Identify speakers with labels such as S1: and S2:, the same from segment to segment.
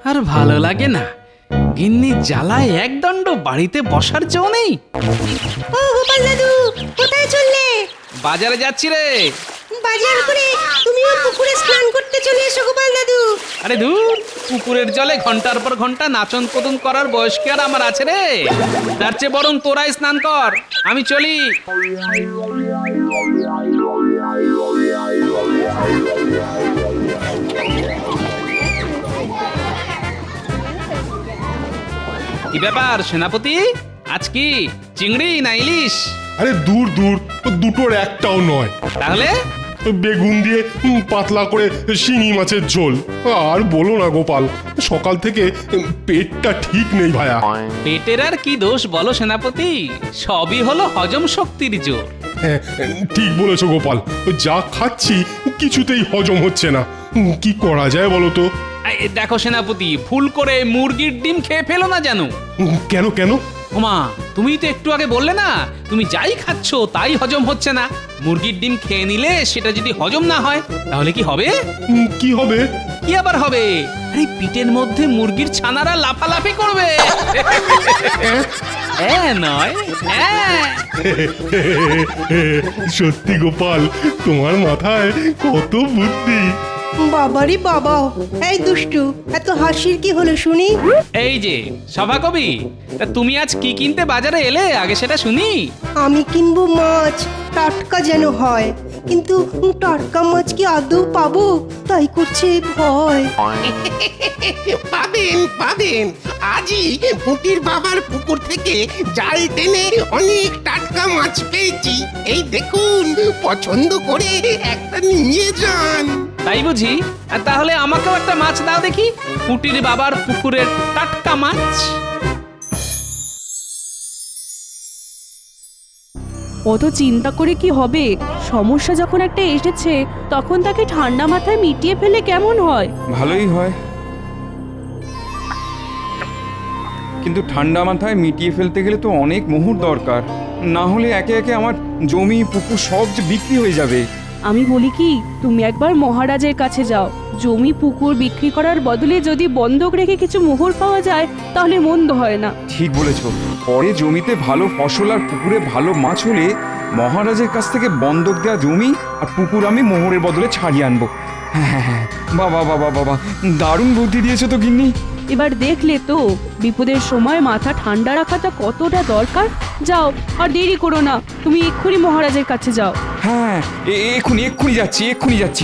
S1: আর ভালো লাগে না। গিন্নি জ্বালায় একদণ্ড বাড়িতে বসার জো নেই।
S2: ও গোপাল দাদু, কোথায় চললে?
S1: বাজারে যাচ্ছি রে।
S2: বাজার করে তুমিও পুকুরে স্নান করতে চলে এসো গোপাল দাদু।
S1: আরে ধুর, পুকুরের জলে ঘন্টার পর ঘন্টা নাচন কদন করার বয়স কি আর আমার আছে রে? তার চেয়ে বরং তোরাই স্নান কর, আমি চলি। কি ব্যাপার সেনাপতি, আজ কি চিংড়ি না ইলিশ?
S3: আরে দূর দূর, দুটোর একটাও নয়।
S1: তাহলে
S3: বেগুন দিয়ে পাতলা করে শিঙি মাছের ঝোল। আর বলো না গোপাল, সকাল থেকে পেটটা ঠিক নেই ভায়া।
S1: পেটের আর কি দোষ বলো সেনাপতি, সবই হলো হজম শক্তির জোর।
S3: হ্যাঁ, ঠিক বলেছো গোপাল, যা খাচ্ছি কিছুতেই হজম হচ্ছে না। কি করা যায় বলো তো?
S1: এই দেখো সেনাপতি, ভুল করে মুরগির ডিম খেয়ে ফেলো না জানো।
S3: কেন কেন?
S1: ওমা, তুমি তো একটু আগে বললে না তুমি যাই খাচ্ছ তাই হজম হচ্ছে না। মুরগির ডিম খেয়ে নিলে সেটা যদি হজম না হয় তাহলে কি হবে?
S3: কি হবে?
S1: কি আবার হবে? আরে পিঠের মধ্যে মুরগির ছানারা লাফালাফি করবে। নয়,
S3: সত্যি গোপাল, তোমার মাথায় কত বুদ্ধি।
S2: বাবারি বাবা, এই দুষ্টু, এত হাসির কি হলো শুনি?
S1: এই যে সভাকবি, তা তুমি আজ কি কিনতে বাজারে এলে আগে সেটা শুনি।
S2: আমি কিনবো মাছ, টাটকা যেন হয়, কিন্তু টাটকা মাছ কি আদৌ পাবো তাই করছে ভয়।
S4: পাবেন পাবেন, আজই পুটির বাবার পুকুর থেকে জাল টেনে অনেক টাটকা মাছ পেয়েছি। এই দেখুন, পছন্দ করে একটা নিয়ে যান।
S1: তাই বুঝি? আর তাহলে আমাকেও একটা মাছ দাও দেখি, পুটির বাবার পুকুরের টাটকা মাছ।
S5: অত চিন্তা করে কি হবে? সমস্যা যখন একটা এসেছে তখন তাকে ঠান্ডা মাথায় মিটিয়ে ফেলে কেমন হয়?
S6: ভালোই হয়, কিন্তু ঠান্ডা মাথায় মিটিয়ে ফেলতে গেলে তো অনেক মোহর দরকার, না হলে একে একে আমার জমি পুকুর সব যে বিক্রি হয়ে যাবে।
S5: আমি বলি কি, তুমি একবার মহারাজের কাছে যাও। জমি পুকুর বিক্রি করার বদলে যদি বন্ধক রেখে কিছু মোহর পাওয়া যায় তাহলে মন্দ হয় না।
S6: ঠিক বলেছ, পরে জমিতে ভালো ফসল আর পুকুরে ভালো মাছ হলে মহারাজের কাছ থেকে বন্ধক দেওয়া জমি আর পুকুর আমি মোহরের বদলে ছাড়িয়ে আনবো। হ্যাঁ হ্যাঁ হ্যাঁ, বাবা বাবা বাবা, দারুণ বুদ্ধি দিয়েছো তো গিন্নি।
S5: এবার দেখলে তো বিপদের সময় মাথা ঠান্ডা রাখাটা কতটা দরকার। যাও, আর দেরি করো না, তুমি এক্ষুনি মহারাজের কাছে যাও।
S6: হ্যাঁ, এক্ষুনি এক্ষুনি যাচ্ছি, এক্ষুনি যাচ্ছি।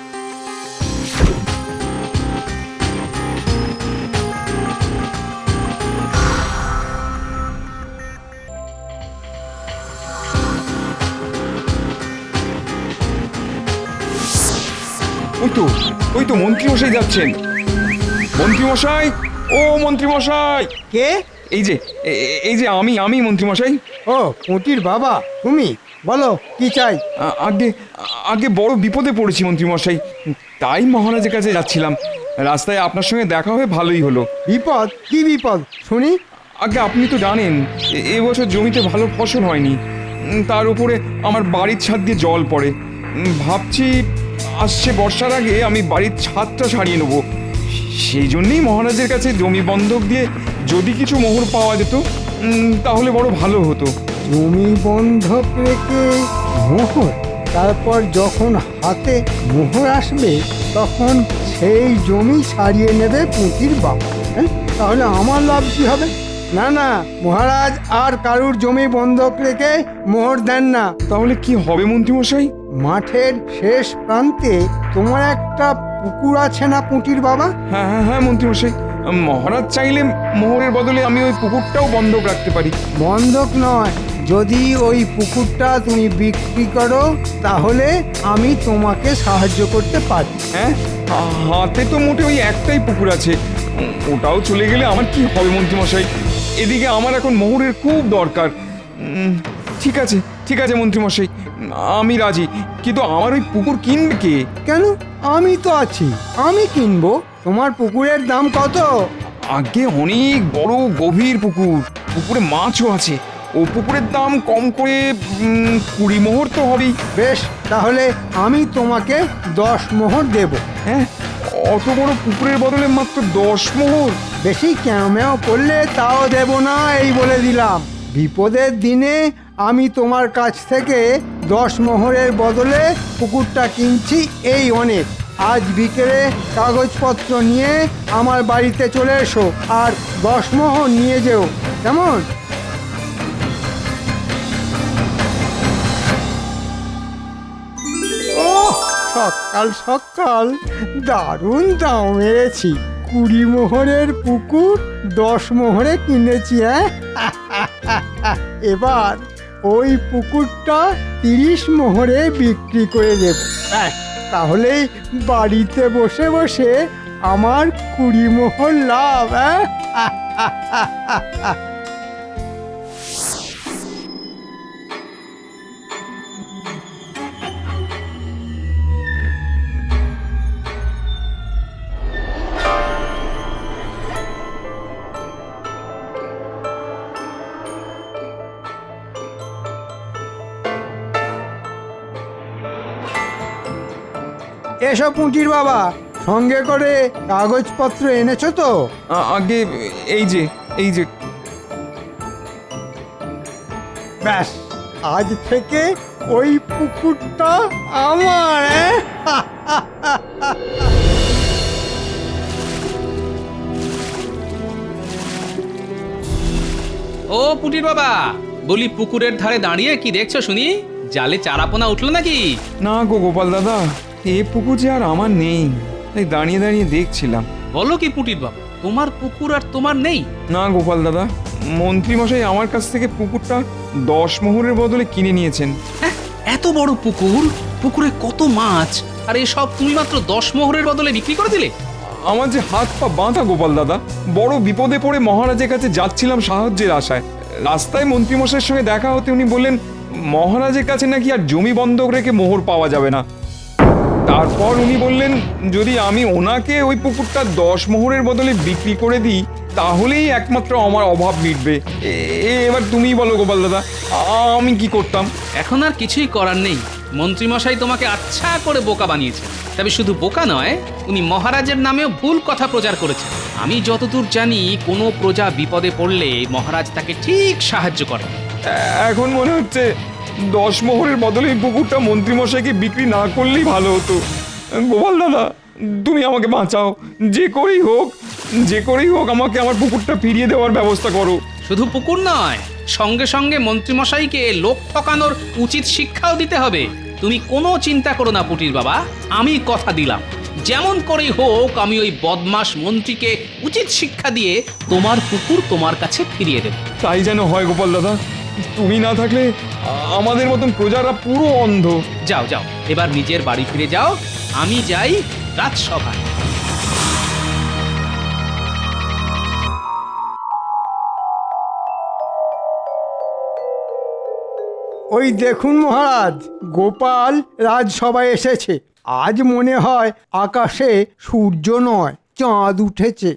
S6: ওই তো মন্ত্রীমশাই যাচ্ছেন। মন্ত্রীমশাই, ও মন্ত্রীমশাই!
S7: কে?
S6: এই যে আমি মন্ত্রীমশাই।
S7: ও পুঁটির বাবা, তুমি বলো কি চাই?
S6: আগে আগে বড় বিপদে পড়েছি মন্ত্রীমশাই, তাই মহারাজের কাছে যাচ্ছিলাম। রাস্তায় আপনার সঙ্গে দেখা হয়ে ভালোই হলো।
S7: বিপদ? কি বিপদ শুনি?
S6: আগে আপনি তো জানেন এবছর জমিতে ভালো ফসল হয়নি, তার উপরে আমার বাড়ির ছাদ দিয়ে জল পড়ে। ভাবছি আসছে বর্ষার আগে আমি বাড়ির ছাদটা সারিয়ে নেব। সেই জন্যই মহারাজের কাছে জমি বন্ধক দিয়ে যদি কিছু মোহর পাওয়া যেত তাহলে বড় ভালো হতো।
S7: জমি বন্ধক রেখে মোহর? তারপর যখন হাতে মোহর আসবে তখন সেই জমি ছাড়িয়ে নেবে পুঁটির বাবা। হ্যাঁ, তাহলে আমার লাভ কি হবে? না না, মহারাজ আর কারুর জমি বন্ধক রেখে মোহর দেন না।
S6: তাহলে কি হবে মন্ত্রীমশাই?
S7: মাঠের শেষ প্রান্তে তোমার একটা পুকুর আছে না পুঁটির বাবা?
S6: হ্যাঁ হ্যাঁ হ্যাঁ মন্ত্রীমশাই, মহারাজ চাইলে মোহরের বদলে আমি ওই পুকুরটাও বন্ধক রাখতে পারি।
S7: বন্ধক নয়, যদি ওই পুকুরটা তুমি বিক্রি করো তাহলে আমি তোমাকে সাহায্য করতে পারি।
S6: হ্যাঁ, হাতে তো মোটে ওই একটাই পুকুর আছে, ওটাও চলে গেলে আমার কি হবে মন্ত্রীমশাই? এদিকে আমার এখন মোহরের খুব দরকার। ঠিক আছে মন্ত্রীমশাই, আমি রাজি, কিন্তু আমার ওই পুকুর কিনবে কে?
S7: কেন, আমি তো আছি, আমি কিনবো। তোমার পুকুরের দাম কত?
S6: আগে অনেক বড় গভীর পুকুর, পুকুরে মাছও আছে। ও পুকুরের দাম কম করে 20 মোহর তো হবেই।
S7: বেশ, তাহলে আমি তোমাকে 10 মোহর দেব।
S6: হ্যাঁ, অত বড় পুকুরের বদলে মাত্র 10 মোহর?
S7: বেশি ক্যামেও করলে তাও দেব না, এই বলে দিলাম। বিপদের দিনে আমি তোমার কাছ থেকে 10 মোহরের বদলে পুকুরটা কিনছি, এই অনেক। আজ বিকেলে কাগজপত্র নিয়ে আমার বাড়িতে চলে এসো, আর 10 মোহর নিয়ে যেও, কেমন? ও সকাল সকাল দারুণ দাম মেরেছি। 20 মোহরের পুকুর 10 মোহরে কিনেছি। এবার ওই পুকুরটা 30 মোহরে বিক্রি করে দেব। ব্যাস, তাহলেই বাড়িতে বসে বসে আমার 20 মোহর লাভ। এসব পুঁটির বাবা, সঙ্গে করে কাগজপত্র এনেছো তো?
S6: আগে এই যে
S7: ব্যাস, আজ থেকে ওই পুকুরটা আমার।
S1: ও পুটির বাবা, বলি পুকুরের ধারে দাঁড়িয়ে কি দেখছো শুনি? জালে চারাপোনা উঠলো নাকি?
S6: না গো গোপাল দাদা, এ পুকুর যে আর আমার নেই, তাই দাঁড়িয়ে দাঁড়িয়ে দেখছিলাম।
S1: বলো কি পুটির বাবা, তোমার পুকুর আর তোমার নেই?
S6: না গোপাল দাদা, মন্ত্রী মশাই আমার কাছ থেকে পুকুরটা 10 মোহরের বদলে কিনে নিয়েছেন।
S1: হ্যাঁ, এত বড় পুকুর, পুকুরে কত মাছ, আর এসব তুমি মাত্র 10 মোহরের বদলে বিক্রি করে দিলে?
S6: আমার যে হাত পা বাঁধা গোপাল দাদা, বড় বিপদে পড়ে মহারাজের কাছে যাচ্ছিলাম সাহায্যের আশায়। রাস্তায় মন্ত্রীমশাইয়ের সঙ্গে দেখা হতে উনি বললেন মহারাজের কাছে নাকি আর জমি বন্ধক রেখে মোহর পাওয়া যাবে না। তারপর উনি বললেন যদি আমি ওনাকে ওই পুকুরটা 10 মোহরের বদলে বিক্রি করে দিই তাহলেই একমাত্র আমার অভাব মিটবে। এবার তুমিই বলো গোপাল দাদা, আমি কি করতাম?
S1: এখন আর কিছুই করার নেই। মন্ত্রীমশাই তোমাকে আচ্ছা করে বোকা বানিয়েছে। তবে শুধু বোকা নয়, উনি মহারাজের নামেও ভুল কথা প্রচার করেছেন। আমি যতদূর জানি, কোনো প্রজা বিপদে পড়লে মহারাজ তাকে ঠিক সাহায্য করেন।
S6: এখন মনে হচ্ছে 10 মোহরের বদলে এই পুকুরটা মন্ত্রীমশাইকে বিক্রি না করলেই ভালো হতো। গোপাল দাদা, তুমি আমাকে বাঁচাও, যে করেই হোক আমাকে আমার পুকুরটা ফিরিয়ে দেওয়ার ব্যবস্থা করো।
S1: শুধু পুকুর নয়, সঙ্গে সঙ্গে মন্ত্রীমশাইকে লোক ঠকানোর উচিত শিক্ষাও দিতে হবে। তুমি কোনো চিন্তা করো না পুটির বাবা, আমি কথা দিলাম, যেমন করেই হোক আমি ওই বদমাশ মন্ত্রীকে উচিত শিক্ষা দিয়ে তোমার পুকুর তোমার কাছে ফিরিয়ে দেব।
S6: তাই যেন হয় গোপাল দাদা, তুমি না থাকলে আমাদের মতন প্রজারা পুরো অন্ধ।
S1: যাও যাও, এবার নিজের বাড়ি ফিরে যাও, আমি যাই রাজসভায়।
S7: ওই দেখুন মহারাজ, গোপাল রাজসভায় এসেছে। আজ মনে হয় আকাশে সূর্য নয়, চাঁদ উঠেছে।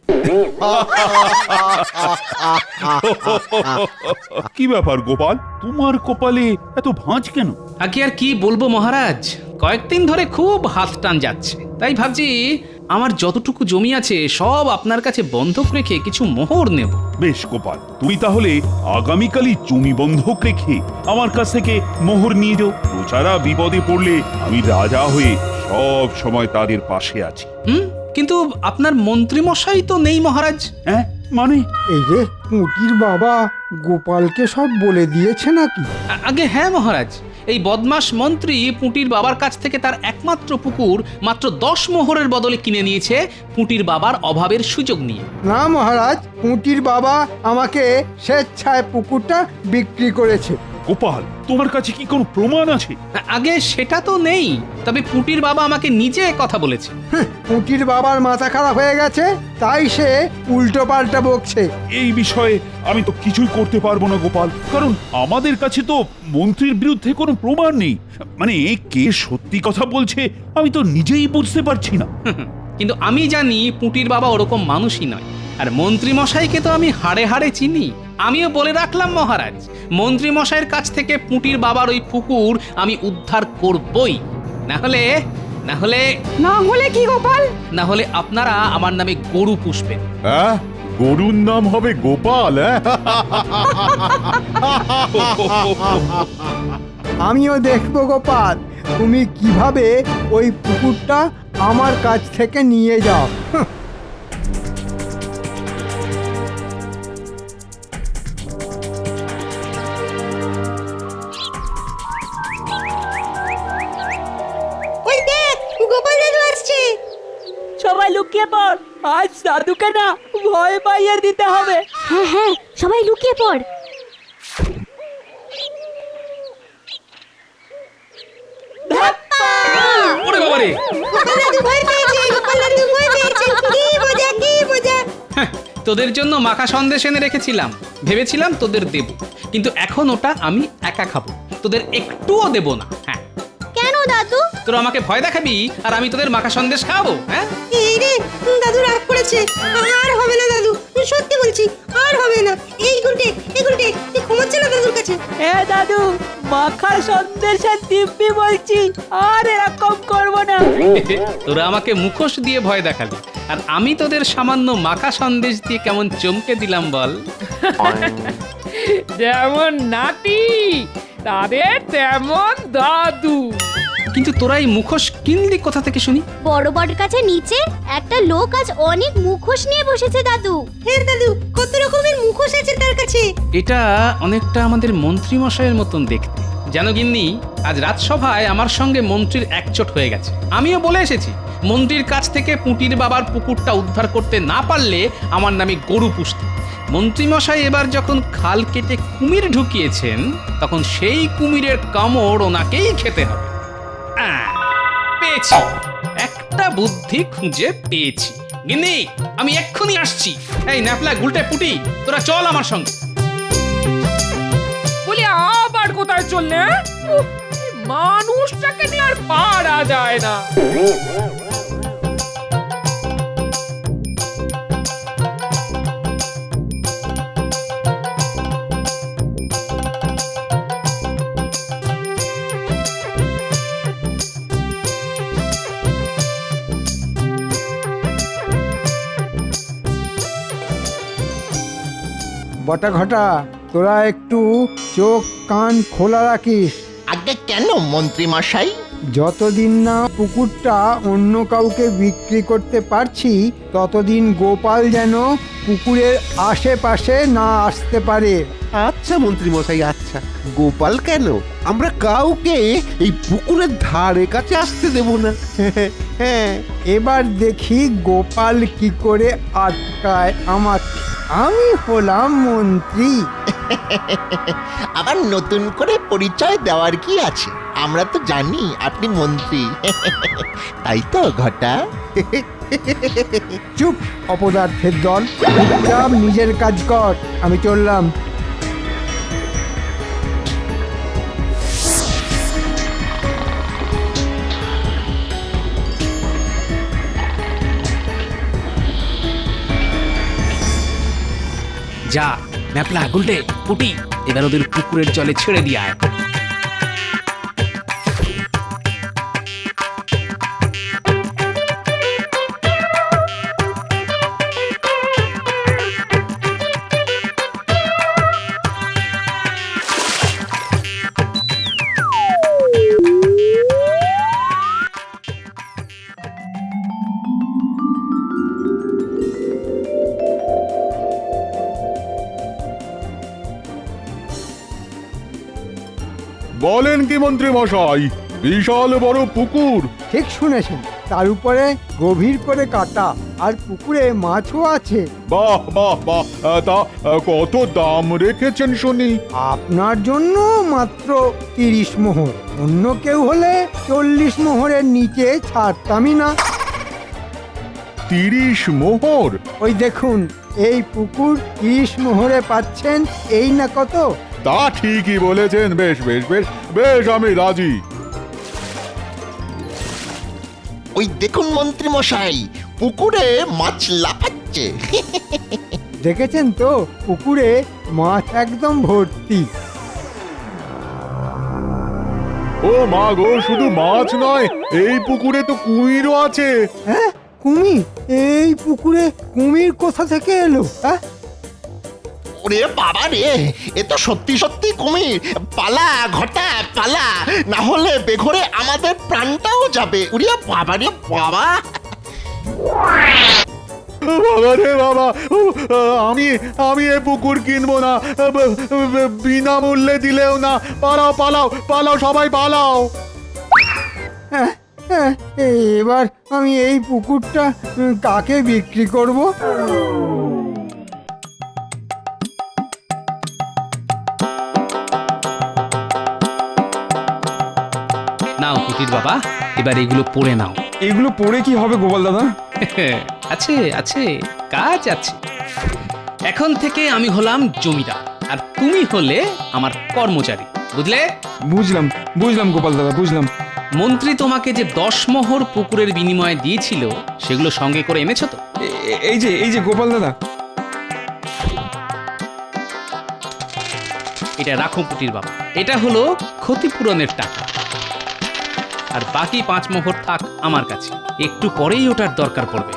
S8: কি ব্যাপার গোপাল, তোমার কপালে এত ভাঁজ কেন?
S1: আগে আর কি বলবো মহারাজ, কয়েকদিন ধরে খুব হাত টান যাচ্ছে। তাই ভাবছি আমার যতটুকু জমি আছে সব আপনার কাছে বন্ধক রেখে কিছু মোহর নেব।
S8: বেশ গোপাল, তুমি তাহলে আগামীকালই জমি বন্ধক রেখে আমার কাছ থেকে মোহর নিয়ে যাও। প্রজারা বিপদে পড়লে আমি রাজা হয়ে সব সময় তাদের পাশে আছি।
S1: কিন্তু আপনার মন্ত্রী মশাই তো নেই মহারাজ।
S8: হ্যাঁ মানে?
S7: এই যে পুঁটির বাবা গোপালকে সব বলে দিয়েছে নাকি?
S1: আগে হ্যাঁ মহারাজ, এই বদমাস মন্ত্রী পুঁটির বাবার কাছ থেকে তার একমাত্র পুকুর মাত্র 10 মোহরের বদলে কিনে নিয়েছে পুঁটির বাবার অভাবের সুযোগ নিয়ে।
S7: না মহারাজ, পুঁটির বাবা আমাকে স্বেচ্ছায় পুকুরটা বিক্রি করেছে।
S8: গোপাল, তোমার কাছে কি কোনো প্রমাণ আছে?
S1: আগে সেটা তো নেই, তবে পুঁটির বাবা আমাকে নিজে কথা বলেছে।
S7: পুঁটির বাবার মাথা খারাপ হয়ে গেছে, তাই সে উল্টো পাল্টা বকছে।
S8: এই বিষয়ে আমি তো কিছুই করতে পারবো না গোপাল, কারণ আমাদের কাছে তো মন্ত্রীর বিরুদ্ধে কোনো প্রমাণ নেই। মানে কে সত্যি কথা বলছে আমি তো নিজেই বুঝতে পারছি না।
S1: কিন্তু আমি জানি পুঁটির বাবা ওরকম মানুষই নয়। আর মন্ত্রী মশাইকে তো আমি হাড়ে হাড়ে চিনি। আমিও বলে রাখলাম মহারাজ, মন্ত্রী মশাইয়ের কাছ থেকে পুঁটির বাবার ওই পুকুর আমি উদ্ধার করবই, না হলে না হলে
S5: না হলে কি গোপাল?
S1: না হলে আপনারা আমার নামে গরু পুষবেন।
S8: হ্যাঁ, গরুর নাম হবে গোপাল।
S7: আমিও দেখবো গোপাল তুমি কিভাবে ওই পুকুরটা আমার কাছ থেকে নিয়ে যাও।
S2: ওই দেখ গোপাল দাদু আসছে।
S5: সবাই লুকিয়ে পড়, আজ দাদুকে না ভয় পাইয়ে দিতে হবে।
S9: হ্যাঁ হ্যাঁ, সবাই লুকিয়ে পড়।
S1: ওরে বাবারে,
S2: গোপাল দাদু ভয় পেয়েছে, গোপাল দাদু ভয় পেয়েছে। কি মজা কি মজা।
S1: হ্যাঁ, তোদের জন্য মাখা সন্দেশ এনে রেখেছিলাম, ভেবেছিলাম তোদের দেব, কিন্তু এখন ওটা আমি একা খাবো, তোদের একটুও দেব না। হ্যাঁ,
S9: কেন দাদু?
S1: তোরা আমাকে ভয় দেখাবি আর আমি তোদের মাখা সন্দেশ খাবো? হ্যাঁ,
S2: এই রে, দাদু রাগ করেছে। আর হবে না দাদু, সত্যি বলছি আর হবে না। এই গুলটে তুই ঘুমাচ্ছে না দাদুর কাছে।
S5: এ দাদু, মাখা সন্দেশের দিব্যি বলছি, আর এরকম করব না।
S1: তোরা আমাকে মুখোশ দিয়ে ভয় দেখালি, আর আমি তোদের সামান্য মাখা সন্দেশ দিয়ে কেমন চমকে দিলাম বল।
S10: যেমন নাতি তাদের তেমন দাদু।
S1: কিন্তু তোরা এই মুখোশ কিনলি কোথা থেকে শুনি?
S9: বড় বট কাছে নিচে একটা লোক আজ অনেক মুখোশ নিয়ে বসেছে দাদু।
S2: হ্যাঁ দাদু, কত রকমের মুখোশ আছে তার কাছে।
S1: এটা অনেকটা আমাদের মন্ত্রী মশাইয়ের মতন দেখতে। জানো গিন্নি, আজ রাজসভায় আমার সঙ্গে মন্ত্রীর একচোট হয়ে গেছে। আমিও বলে এসেছি, মন্ত্রীর কাছ থেকে পুঁটির বাবার পুকুরটা উদ্ধার করতে না পারলে আমার নামে গরু পুষতে। মন্ত্রীমশাই এবার যখন খাল কেটে কুমির ঢুকিয়েছেন, তখন সেই কুমিরের কামড় ওনাকেই খেতে হবে। পেয়েছি, একটা বুদ্ধি খুঁজে পেয়েছি। গিন্নি, আমি এক্ষুনি আসছি। এই ন্যাপলা, গুলটে, পুটি, তোরা চল আমার সঙ্গে।
S10: বলি আবার কোথায় চললে? উফ, এই মানুষটাকে নিয়ে আর পারা যায় না।
S7: বটা ঘটা তোরা একটু চোখ কান খোলা রাখিস।
S4: আগে কেন মন্ত্রী মশাই?
S7: যতদিন না পুকুরটা অন্য কাউকে বিক্রি করতে পারছি ততদিন গোপাল যেন পুকুরের আশেপাশে না আসতে পারে।
S11: আচ্ছা মন্ত্রী মশাই, আচ্ছা। গোপাল কেন, আমরা কাউকে এই পুকুরের ধারে কাছে আসতে দেব না। হ্যাঁ,
S7: এবার দেখি গোপাল কি করে আটকায় আমাকে। আমি হলাম মন্ত্রী।
S4: আবার নতুন করে পরিচয় দেওয়ার কি আছে? আমরা তো জানি আপনি মন্ত্রী। তাই তো ঘটা?
S7: চুপ অপদার্থের দল, চুপচাপ নিজের কাজ কর। আমি চললাম।
S1: যা ন্যাপলা, গুলটে, পুটি, এবার ওদের পুকুরের জলে ছেড়ে দিয়ে আয়।
S8: বলেন কি মন্ত্রী মশাই, বিশাল বড় পুকুর?
S7: ঠিক শুনেছেন, তার উপরে গভীর করে কাটা, আর পুকুরে মাছও আছে।
S8: বাহ বাহ বাহ, তা কত দাম রেখেছেন শুনি?
S7: আপনার জন্য মাত্র 30 মোহর। অন্য কেউ হলে 40 মোহরের নিচে ছাড়তামই না।
S8: 30 মোহর?
S7: ওই দেখুন, এই পুকুর 30 মোহরে পাচ্ছেন, এই না কত?
S8: তা ঠিকই বলেছেন। বেশ বেশ বেশ বেশ, আমি রাজি।
S4: ওই দেখুন মন্ত্রী মশাই, পুকুরে মাছ লাফাচ্ছে।
S7: দেখেছেন তো, পুকুরে মাছ একদম ভর্তি।
S12: ও মা গো, শুধু মাছ নয়, এই পুকুরে তো কুমিরও আছে।
S7: হ্যাঁ, কুমির? এই পুকুরে কুমির কোথা থেকে এলো? হ্যাঁ,
S4: ওরে বাবা রে, এ তো সত্যি সত্যি কুমির। পালা ঘটা পালা, না হলে বেঘরে আমাদের প্রাণটাও যাবে। উরে বাবা রে বাবা।
S12: বাবা রে বাবা, আমি আমি এ পুকুর কিনবো না, বিনামূল্যে দিলেও না। পালাও পালাও পালাও, সবাই পালাও।
S7: হ্যাঁ, হ্যাঁ, এবার আমি এই পুকুরটা কাকে বিক্রি করব?
S1: নাও পুটির বাবা, এবার এগুলো পড়ে নাও।
S6: এগুলো পড়ে কি হবে গোপাল দাদা?
S1: আছে আছে, কাজ আছে। এখন থেকে আমি হলাম জমিদার আর তুমি হলে আমার কর্মচারী, বুঝলে?
S6: বুঝলাম বুঝলাম গোপাল দাদা, বুঝলাম।
S1: মন্ত্রী তোমাকে যে 10 মোহর পুকুরের বিনিময়ে দিয়েছিল সেগুলো সঙ্গে করে এনেছো তো?
S6: এই যে গোপাল দাদা।
S1: এটা রাখো পুটির বাবা, এটা হলো ক্ষতিপূরণের টাকা। আর বাকি 5 মোহর থাক আমার কাছে, একটু পরেই ওটার দরকার পড়বে।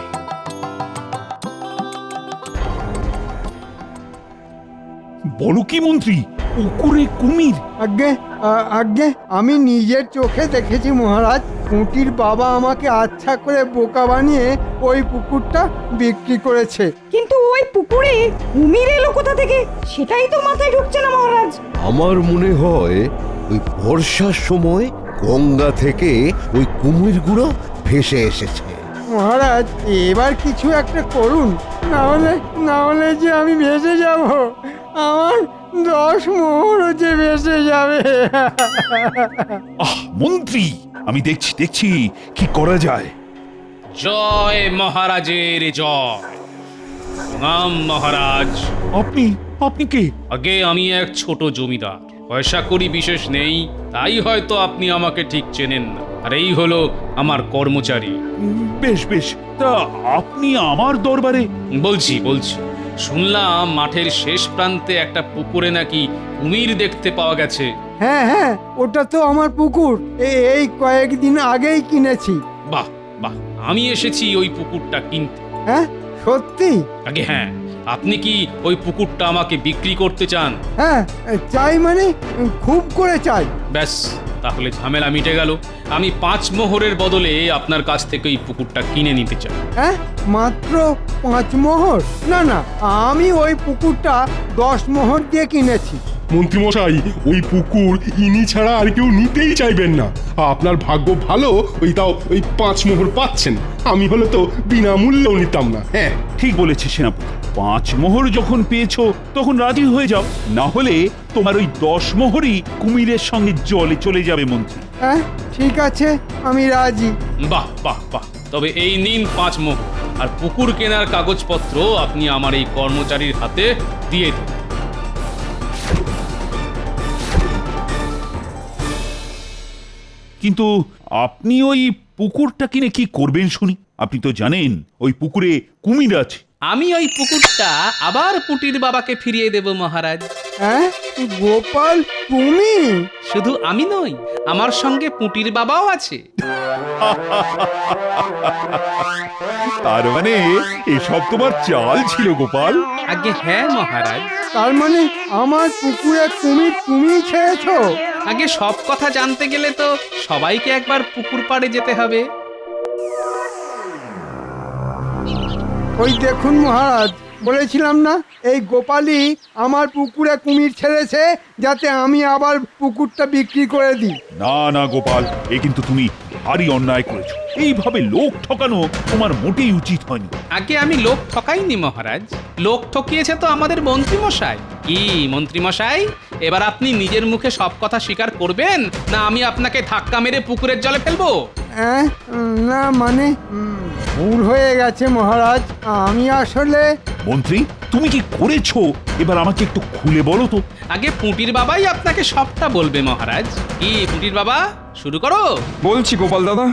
S8: বলো কি মন্ত্রী, পুকুরে কুমির?
S7: আগে আমি নিজের চোখে দেখেছি মহারাজ। পুঁটির বাবা আমাকে আচ্ছা করে বোকা বানিয়ে ওই পুকুরটা বিক্রি করেছে।
S2: কিন্তু ওই পুকুরে কুমির এলো কোথা থেকে সেটাই তো মাথায় ঢুকছে না মহারাজ।
S11: আমার মনে হয় ওই বর্ষার সময় গঙ্গা থেকে ওই কুমিরগুলো ভেসে এসেছে।
S7: মহারাজ, এবার কিছু একটা করুন, না হলে যে আমি ভেসে যাব। আমার 10 মোহরও যে ভেসে যাবে।
S8: আহ মন্ত্রী, আমি দেখছি কি করা যায়।
S1: জয় মহারাজের জয়। প্রণাম মহারাজ।
S8: আপনি কে?
S1: আগে আমি এক ছোট জমিদার, পয়সা করি বিশেষ নেই, তাই হয়তো আপনি আমাকে ঠিক চেনেন না। আর এই হলো আমার কর্মচারী।
S8: বেশ, তা আপনি আমার দরবারে?
S1: বলছি শুনলাম মাঠের শেষ প্রান্তে একটা পুকুরে নাকি কুমির দেখতে পাওয়া গেছে।
S7: হ্যাঁ, ওটা তো আমার পুকুর। এই কয়েকদিন আগেই কিনেছি।
S1: বাহ, আমি এসেছি ওই পুকুরটা কিনতে।
S7: হ্যাঁ, সত্যি?
S1: আগে হ্যাঁ, আপনি কি ওই পুকুরটা আমাকে বিক্রি করতে চান?
S7: হ্যাঁ, চাই, মানে খুব করে চাই।
S1: ব্যাস, তাহলে ঝামেলা মিটে গেল। আমি 5 মোহরের বদলে আপনার কাছ থেকে ওই পুকুরটা কিনে নিতে চাই।
S7: হ্যাঁ, মাত্র 5 মোহর? না, আমি ওই পুকুরটা 10 মোহর দিয়ে কিনেছি।
S3: মন্ত্রীমশাই, ওই পুকুর ইনি ছাড়া আর কেউ নিতেই চাইবেন না। আপনার ভাগ্য ভালো, ওই 5 মোহর পাচ্ছেন। আমি হলে তো বিনামূল্যেও নিতাম না।
S8: হ্যাঁ, ঠিক বলেছে সেনাপতি। 5 মোহর যখন পেয়েছো তখন রাজি হয়ে যাও, না হলে তোমার ওই 10 মোহরই কুমিরের সঙ্গে জলে চলে যাবে মন্ত্রী।
S7: হ্যাঁ, ঠিক আছে, আমি রাজি।
S1: বাহ, তবে এই নিন 5 মোহর, আর পুকুর কেনার কাগজপত্র আপনি আমার এই কর্মচারীর হাতে দিয়ে দিন।
S8: কিন্তু আপনি ওই পুকুরটা কিনে কি করবেন শুনি? আপনি তো জানেন ওই পুকুরে কুমির আছে।
S1: আমি ওই পুকুরটা আবার পুটির বাবাকে ফিরিয়ে দেব মহারাজ।
S7: হ্যাঁ, গোপাল, তুমি?
S1: শুধু আমি নই, আমার সঙ্গে পুটির বাবাও আছে।
S8: তার মানে এসব তোমার চাল ছিল গোপাল?
S1: আগে হ্যাঁ মহারাজ।
S7: তার মানে আমার পুকুরে কুমির তুমি ছেড়েছো?
S1: আগে সব কথা জানতে গেলে তো সবাইকে একবার পুকুর পাড়ে যেতে হবে।
S7: ওই দেখুন মহারাজ, বলেছিলাম না এই গোপালই আমার পুকুরে কুমির ছেড়েছে যাতে আমি আবার পুকুরটা বিক্রি করে দিই।
S8: না গোপাল, এ কিন্তু তুমি ভারী অন্যায় করেছো। এইভাবে লোক ঠকানো তোমার মোটেই উচিত হয়নি।
S1: আগে আমি লোক ঠকাইনি মহারাজ, লোক ঠকিয়েছে তো আমাদের মন্ত্রীমশাই। কি মন্ত্রীমশাই, এবার আপনি নিজের মুখে সব কথা স্বীকার করবেন, না আমি আপনাকে ধাক্কা মেরে পুকুরের জলে ফেলবো?
S7: না, মানে ভুল হয়ে গেছে মহারাজ। আমি আসলে...
S8: মন্ত্রী, তুমি কি করেছো এবার আমাকে একটু খুলে বলো তো।
S1: আগে পুটির বাবাই আপনাকে সবটা বলবে মহারাজ। কি পুটির বাবা, শুরু করো।
S6: বলছি গোপাল দাদা।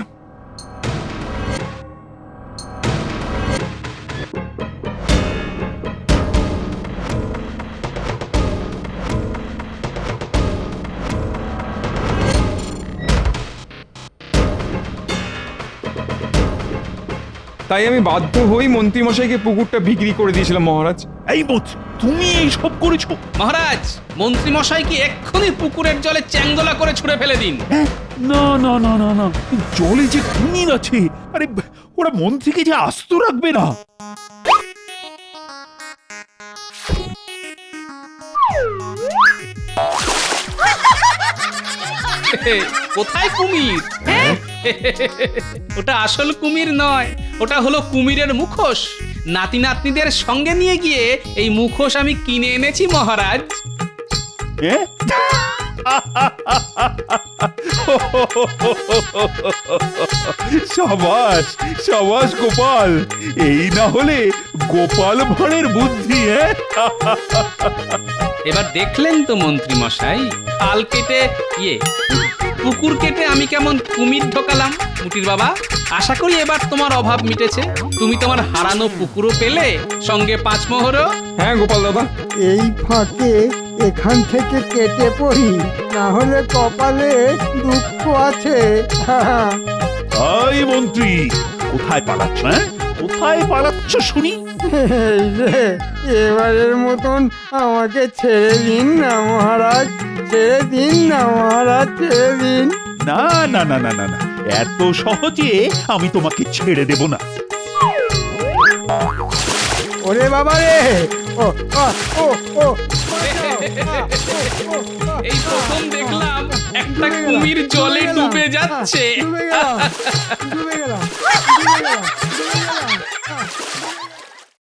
S6: তাই আমি বাধ্য হই মন্ত্রীমশাইকে পুকুরটা বিক্রি করে দিয়েছিলাম মহারাজ।
S8: এই মন্ত্রী, তুমি এই সব করেছো?
S1: মহারাজ, মন্ত্রী মশাইকে এক্ষুনি পুকুরের জলে চ্যাংদোলা করে ছুঁড়ে ফেলে দিন।
S8: না না না না না, জলে যে কুমির আছে, আরে ওরা মন্ত্রীকে যে আস্ত রাখবে না।
S1: কোথায় কুমির? ওটা আসল কুমির নয়, ওটা হলো কুমিরের মুখোশ। নাতি নাতনিদের সঙ্গে নিয়ে গিয়ে এই মুখোশ আমি কিনে এনেছি মহারাজ।
S8: সাবাস সাবাস গোপাল, এই না হলে গোপাল ভাঁড়ের বুদ্ধি।
S1: এবার দেখলেন তো মন্ত্রী মশাই, খাল কেটে পুকুর কেটে আমি কেমন কুমির ঢোকালাম। মুটির বাবা, আশা করি এবার তোমার অভাব মিটেছে। তুমি তোমার হারানো পুকুরও পেলে, সঙ্গে 5 মোহরও।
S6: হ্যাঁ গোপাল দাদা,
S7: এই ফাঁকে এখান থেকে কেটে পড়ি, না হলে কপালে দুঃখ আছে।
S8: এই মন্ত্রী, কোথায় পালাচ্ছ? কোথায় পালাচ্ছ শুনি?
S7: এই রে, এবারের মতন আমাকে ছেড়ে দিন না মহারাজ, ছেড়ে দিন না মহারাজ, ছেড়ে দিন।
S8: না না না না না না, এত সহজে আমি তোমাকে ছেড়ে দেব না।
S7: ওরে বাবা রে, ও ও ও ও
S1: এই প্রথম দেখলাম একটা কুমির জলে ডুবে যাচ্ছে।
S7: ডুবে গেলাম, ডুবে গেলাম, ডুবে গেলাম, ডুবে গেলাম।